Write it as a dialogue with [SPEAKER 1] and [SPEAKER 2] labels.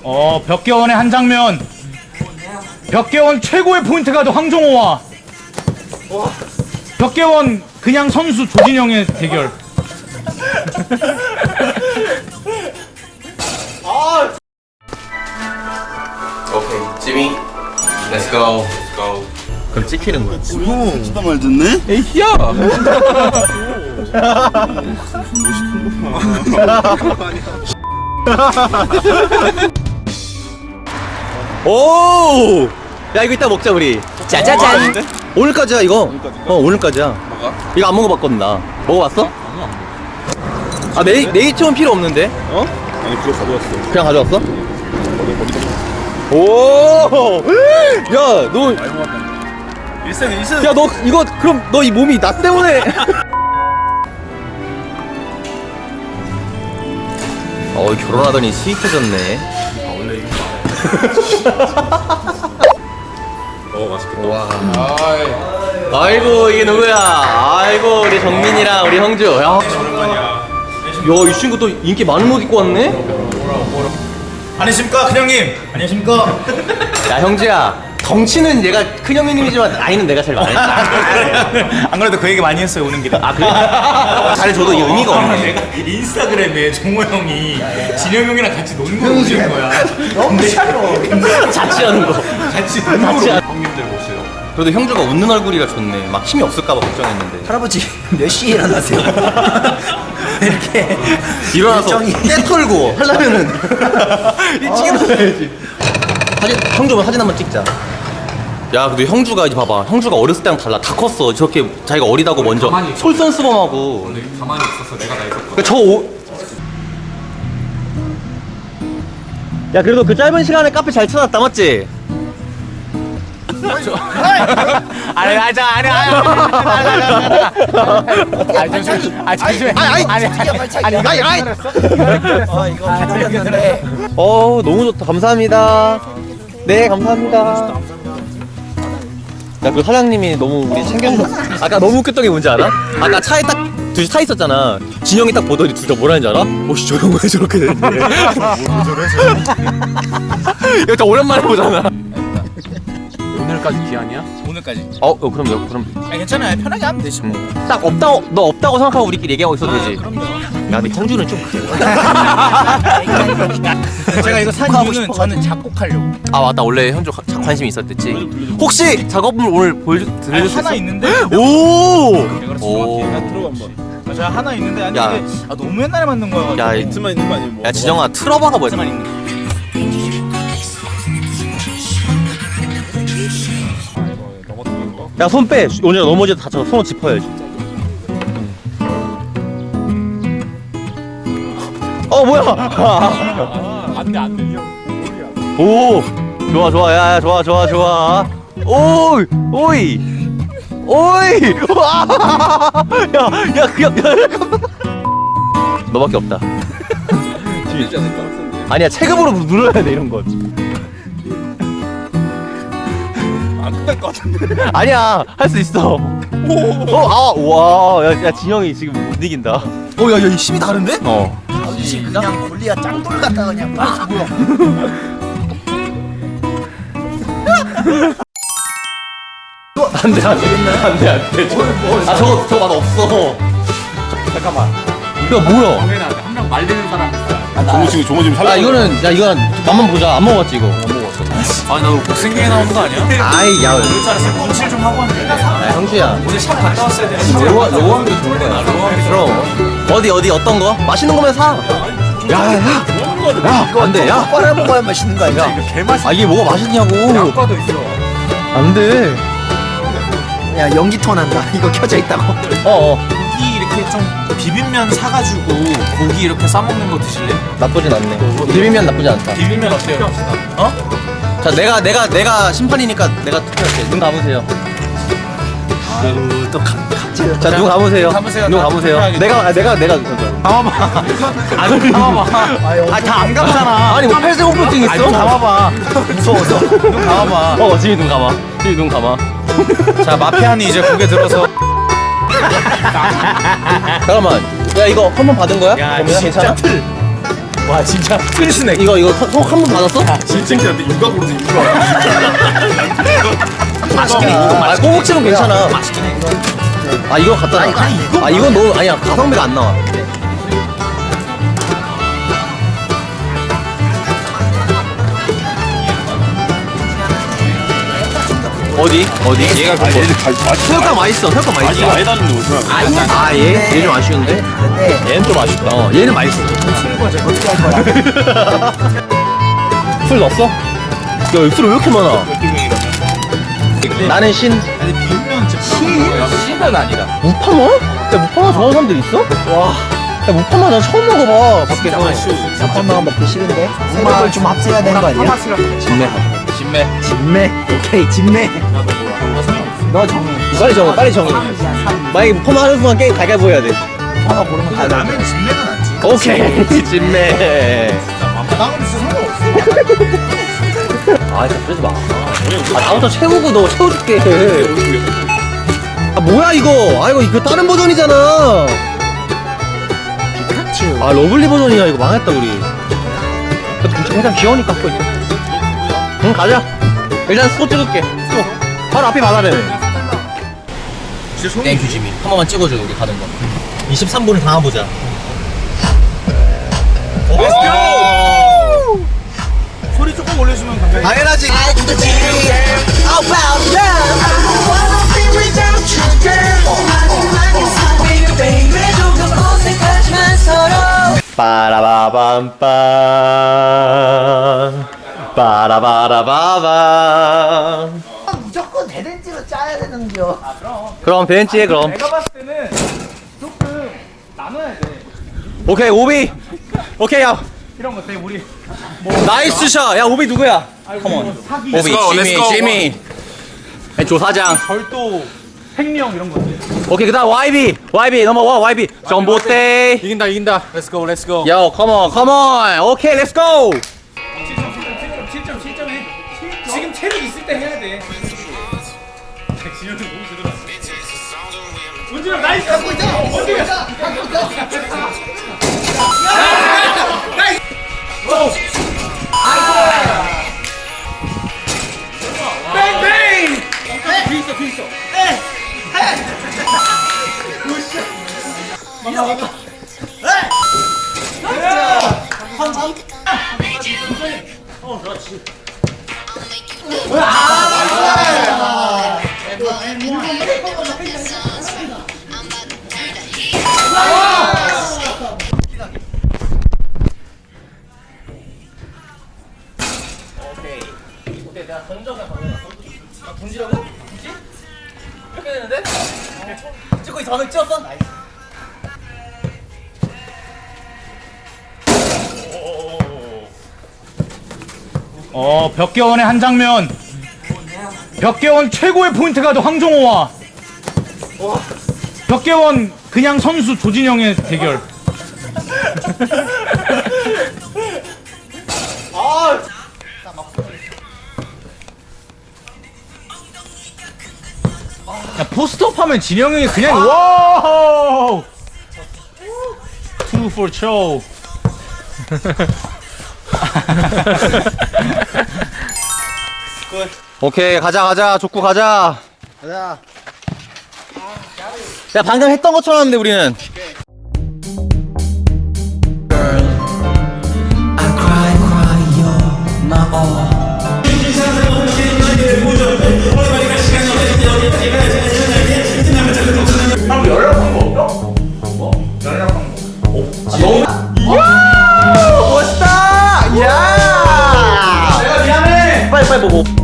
[SPEAKER 1] 벽개원의 한 장면. 벽개원 최고의 포인트 가드 황정호와 벽개원 그냥 선수 조진영의 대결.
[SPEAKER 2] 오케이, 지미, let's go. 그럼 찍히는 거야.
[SPEAKER 3] 형 진짜 말 듣네?
[SPEAKER 1] 에이야.
[SPEAKER 2] 오! 야, 이거 이따 먹자, 우리. 짜자잔! 오늘까지야, 이거. 오늘까지야.
[SPEAKER 3] 뭐가?
[SPEAKER 2] 이거 안 먹어봤거든, 나. 먹어봤어? 아, 네이처는 필요 없는데?
[SPEAKER 3] 어? 아니 그거 가져왔어.
[SPEAKER 2] 그냥 가져왔어?
[SPEAKER 3] 어디다?
[SPEAKER 2] 오! 야, 너.
[SPEAKER 3] 일생.
[SPEAKER 2] 야, 너, 이거, 그럼 너 이 몸이 나 때문에. 결혼하더니 스윗해졌네.
[SPEAKER 3] 원래 이거. 맛있겠다.
[SPEAKER 2] 와. 아이고, 이게 누구야? 아이고, 우리 정민이랑 우리 형주. 야,
[SPEAKER 3] 오랜만이야.
[SPEAKER 2] 이 친구 또 인기 많은 옷 입고 왔네?
[SPEAKER 1] 안녕하십니까 큰형님. 안녕하십니까.
[SPEAKER 2] 야, 형주야. 덩치는 얘가 큰 형님이지만 나이는 내가 제일 많아.
[SPEAKER 1] 안 그래도 그 얘기 많이 했어요 오는 길에.
[SPEAKER 2] 아, 그래? 잘해줘도 이 의미가 없네.
[SPEAKER 1] 내가 인스타그램에 정호 형이 진영 형이랑 같이 노는 걸 올린 거야. 너무 싫어.
[SPEAKER 2] 자취하는 거.
[SPEAKER 1] 같이 노는 걸.
[SPEAKER 3] 형님들 모세요.
[SPEAKER 2] 그래도 형주가 웃는 얼굴이라 좋네. 막 힘이 없을까봐 걱정했는데.
[SPEAKER 4] 할아버지 몇 시에 일어나세요? 이렇게
[SPEAKER 2] 일어나서
[SPEAKER 4] 일정이-
[SPEAKER 2] 깨 털고 하려면은 일찍 일어나야지. 형주 사진 한번 찍자. 야, 근데 형주가 이제 봐봐. 형주가 어렸을 때랑 달라. 다 컸어. 저렇게 자기가 어리다고 먼저 솔선수범하고.
[SPEAKER 3] 근데 가만히 있었어. 내가 다 있었거든.
[SPEAKER 2] 그러니까 야, 그래도 그 짧은 시간에 카페 잘 찾았다, 맞지? 너무 좋다. 감사합니다. 네, 감사합니다. 야, 그 사장님이 너무 우리 챙겨줘. 아까 너무 웃겼던 게 뭔지 알아? 아까 차에 딱 둘이 타 있었잖아. 진영이 딱 보더니 둘 다 뭐라는지 알아? 오씨, 저 형 왜 저렇게 됐는데? 이거 다 오랜만에 보잖아.
[SPEAKER 1] 오늘까지 기한이야? 오늘까지.
[SPEAKER 2] 그럼
[SPEAKER 1] 괜찮아요. 편하게 하면 되지 뭐.
[SPEAKER 2] 딱 없다고, 너 없다고 생각하고 우리끼리 얘기하고 있어도 되지.
[SPEAKER 1] 그럼요.
[SPEAKER 2] 야, 근데 형주는 좀 그래.
[SPEAKER 1] 제가 이거 산 이유는 저는 작곡하려고.
[SPEAKER 2] 아, 맞다. 원래 현주 관심이 있었댔지. 혹시 작업물 오늘 들려줄 수 있어?
[SPEAKER 1] 하나 있는데.
[SPEAKER 2] 오!
[SPEAKER 3] 오. 나 들어가 한번.
[SPEAKER 1] 저 하나 있는데 아니
[SPEAKER 2] 야.
[SPEAKER 1] 이게 너무 옛날에 만든 거야.
[SPEAKER 2] 야,
[SPEAKER 3] 비트만 있는 거 아니면 뭐?
[SPEAKER 2] 야, 지정아, 틀어봐가 뭐야? 야, 손 빼. 오늘 넘어져 다쳐. 손을 짚어야지. 뭐야?
[SPEAKER 1] 안 들려.
[SPEAKER 2] 오, 좋아, 야, 좋아. 오이, 와, 너밖에 없다.
[SPEAKER 3] 되지 않을까?
[SPEAKER 2] 아니야, 체급으로 눌러야 돼 이런 건.
[SPEAKER 3] 안 끝날 것 같은데.
[SPEAKER 2] 아니야, 할 수 있어. 와, 야, 진영이 지금 못 이긴다.
[SPEAKER 4] 야, 힘이 다른데?
[SPEAKER 2] 어.
[SPEAKER 4] 그냥 골리야 짱돌 같다 그냥 막 뭐야.
[SPEAKER 2] 안 돼. 아, 저거 맛 없어.
[SPEAKER 1] 잠깐만.
[SPEAKER 2] 야, 뭐야?
[SPEAKER 1] 한 명 말리는 사람 있어.
[SPEAKER 3] 종호 지금 살려.
[SPEAKER 2] 이거 맛만 보자. 안 먹었지 이거.
[SPEAKER 1] 아니 나 복생경에 나오는 거 아니야?
[SPEAKER 2] 아이, 야,
[SPEAKER 1] 잘했어. 분칠 좀 하고 왔는데.
[SPEAKER 2] 야, 형수야.
[SPEAKER 1] 오늘 샵 갔다 왔어야 돼.
[SPEAKER 2] 로고한 게 좋은 거야. 그럼. 어디 어떤 거? 맛있는 거면 사. 야, 안 돼. 야,
[SPEAKER 4] 빨아 먹어야 맛있는 거 아니야?
[SPEAKER 1] 개맛이.
[SPEAKER 2] 이게 뭐가 맛있냐고.
[SPEAKER 1] 양과도 있어.
[SPEAKER 2] 안 돼.
[SPEAKER 4] 야, 연기톤 한다. 이거 켜져 있다고.
[SPEAKER 1] 고기 이렇게 좀 비빔면 사가지고 고기 이렇게 싸먹는 거 드실래?
[SPEAKER 2] 나쁘진 않네. 비빔면 나쁘지 않다.
[SPEAKER 1] 비빔면 어때요? 어?
[SPEAKER 2] 자, 내가 심판이니까 내가 투표할게. 눈 감으세요.
[SPEAKER 4] 아유, 또 갑자기.
[SPEAKER 2] 자, 눈 감으세요.
[SPEAKER 1] 감으세요.
[SPEAKER 2] 눈
[SPEAKER 1] 다
[SPEAKER 2] 감으세요.
[SPEAKER 1] 투표해야겠다.
[SPEAKER 2] 내가
[SPEAKER 1] 감아봐. 안 감아봐. 다 안 감잖아.
[SPEAKER 2] 아니, 뭐 팔색공포증 있어?
[SPEAKER 1] 눈 감아봐. 무서워서. 눈 감아봐.
[SPEAKER 2] 지금 눈 감아. 지금 눈 감아.
[SPEAKER 1] 자, 마피아니 이제 고개 들어서.
[SPEAKER 2] 잠깐만. 야, 이거 한 번 받은 거야?
[SPEAKER 1] 야,
[SPEAKER 2] 그러면
[SPEAKER 1] 진짜
[SPEAKER 2] 괜찮아?
[SPEAKER 1] 틀. 와 진짜 스낵.
[SPEAKER 2] 이거 한 번 받았어?
[SPEAKER 3] 진짜한테 육아 고르지 육아.
[SPEAKER 4] 맛있긴 해.
[SPEAKER 2] 아 꼬북치는 괜찮아. 아 이거 갖다 놔. 아 이건 너무 아니야 가성비가 안 나와. 어디?
[SPEAKER 3] 얘가 그
[SPEAKER 2] 새우깡 맛있어. 새우깡 맛있어.
[SPEAKER 3] 많이 다는데 오시면
[SPEAKER 2] 얘 좀 아쉬운데?
[SPEAKER 3] 얘는 좀 아쉽다.
[SPEAKER 2] 얘는 맛있어.
[SPEAKER 4] 어떻게 할 거야?
[SPEAKER 2] 술 넣었어? 야, 술 왜 이렇게 많아? 나는 신.
[SPEAKER 3] 아니 비빔면 신은 아니라.
[SPEAKER 2] 무파마? 야, 무파마 좋아하는 사람들 있어? 와. 야, 무파마 난 처음 먹어봐. 밖에서.
[SPEAKER 4] 잠깐만 먹기 싫은데. 새벽을 좀 합쳐야 되는 거 아니야?
[SPEAKER 2] 진매.
[SPEAKER 4] 진매. 오케이 진매. 너 정해.
[SPEAKER 2] 빨리 정해. 만약에 무파마 하는 순간 게임 가위바위보 해야 돼.
[SPEAKER 4] 하나 고르면 다 나.
[SPEAKER 1] 나는 진내는 않지.
[SPEAKER 2] 오케이. 진매.
[SPEAKER 1] 나는 진짜 상관없어.
[SPEAKER 2] 아, 진짜 그러지 마. 아, 다음부터 채우고 너 채워줄게. 아, 뭐야, 이거? 아, 이거 다른 버전이잖아.
[SPEAKER 4] 피카츄.
[SPEAKER 2] 아, 러블리 버전이야. 이거 망했다, 우리. 그래도 일단 귀여우니까 갖고 있어. 응, 가자. 일단 소 찍을게. 소. 바로 앞에 바다래. 땡큐, 지미. 한 번만 찍어줘, 우리 가는 거. 23분을 당해보자.
[SPEAKER 1] 소리 조금 올려주면 감사해.
[SPEAKER 2] 당연하지. 빠라바밤빰 빠라바라바밤.
[SPEAKER 4] 무조건 대댄지로 짜야 되는겨.
[SPEAKER 2] 그럼 벤치에 그럼.
[SPEAKER 1] 내가 봤을 때는 조금 나눠야 돼.
[SPEAKER 2] 오케이 오비. 오케이 야.
[SPEAKER 1] 이런 거 때 우리
[SPEAKER 2] 나이스 샷. 야 오비 누구야? 컴온.
[SPEAKER 1] 사기,
[SPEAKER 2] 오비 지미. 조사장.
[SPEAKER 1] 절도, 횡령 이런 것들.
[SPEAKER 2] 오케이 그다음 YB 넘어와 YB 전봇대.
[SPEAKER 3] 이긴다. Let's go.
[SPEAKER 2] 요 컴온. 오케이 렛츠 고.
[SPEAKER 1] 7점 해. 지금 체력 있을 때 해야 돼. 진영이 너무 제대로 왔어. 원준아 나이스 갖고 있잖아. 원준아. 뱅뱅. 그 있어.
[SPEAKER 2] 오케이 내가 던져서 던지라고? 굳이? 이렇게 되는데? 찍고 있어. 방금 찍었어? 나이스.
[SPEAKER 1] 벽개원의 한 장면. 벽개원 최고의 포인트가 또 황종호와 벽개원 그냥 선수 조진영의 대결. 야, 포스트업 하면 진영이 그냥 와우. 2 for show.
[SPEAKER 2] 오케이 가자 족구 가자.
[SPEAKER 4] 가자.
[SPEAKER 2] 야 방금 했던 것처럼 하는데 우리는. 멋있다. 야.
[SPEAKER 1] 미안해.
[SPEAKER 2] 빨리 보고.